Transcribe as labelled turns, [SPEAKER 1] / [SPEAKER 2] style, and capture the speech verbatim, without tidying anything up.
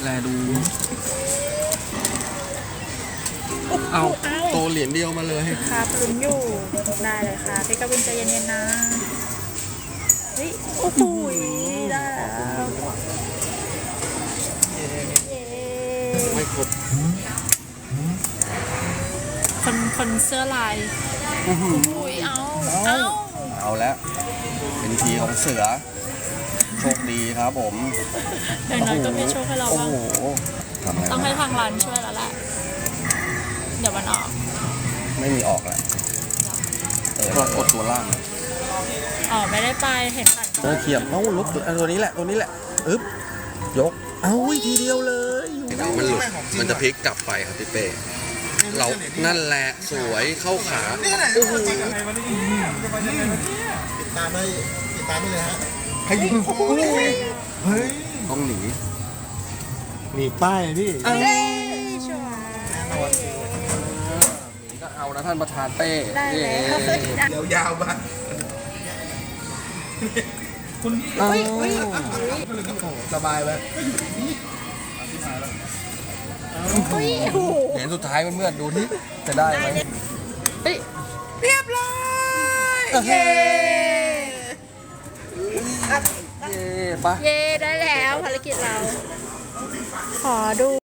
[SPEAKER 1] แลดูเอาโตเหรียญเดียวมาเลย
[SPEAKER 2] ครับลุ้นอยู่ได้เลยค่ะพี่กวินใจเย็นๆนะเฮ้ยโอ้โหได้แล้ว
[SPEAKER 1] ไม่ครบ
[SPEAKER 2] คนคนเสื้อลายอุ้ยเอาเอา
[SPEAKER 1] เอาแล้วเป็นทีของเสือโชคดีครับผม
[SPEAKER 2] อย่างน้อยก็มีโชคให้เราบ้างต้องให้ทางร้านช่วยแล้วแหละเดี๋ยวมันออก
[SPEAKER 1] ไม่มีออกแหละเออกดตัวล่าง
[SPEAKER 2] อ๋อไม่ได้ไปเห็นผ่าน
[SPEAKER 1] ตัวเขียบเอ้าลุกตัวนี้แหละตัวนี้แหละอึ๊บยกเอ้าทีเดียวเลยมันหลุดมันจะพลิกกลับไปครับพี่เป้เรานั่นแหละสวยเข้าขาโอ้โห
[SPEAKER 3] ติดตามได้ติดตามได้เลยฮะใครยิงเฮ้ย
[SPEAKER 1] ต้องหนี
[SPEAKER 3] หนีป้ายพี่
[SPEAKER 2] เอ้ยชัวร์
[SPEAKER 1] ก็เอานะท่านประธานเป้
[SPEAKER 2] ได้แล้ว
[SPEAKER 3] ยาวๆบ้างคุณสบายไหม
[SPEAKER 1] เหรียญสุดท้ายเพื่อนๆดูที่จะได้ไหม
[SPEAKER 2] เรียบร้อยเย้
[SPEAKER 1] เย้ปะ
[SPEAKER 2] เย้ได้แล้วภารกิจเราขอดู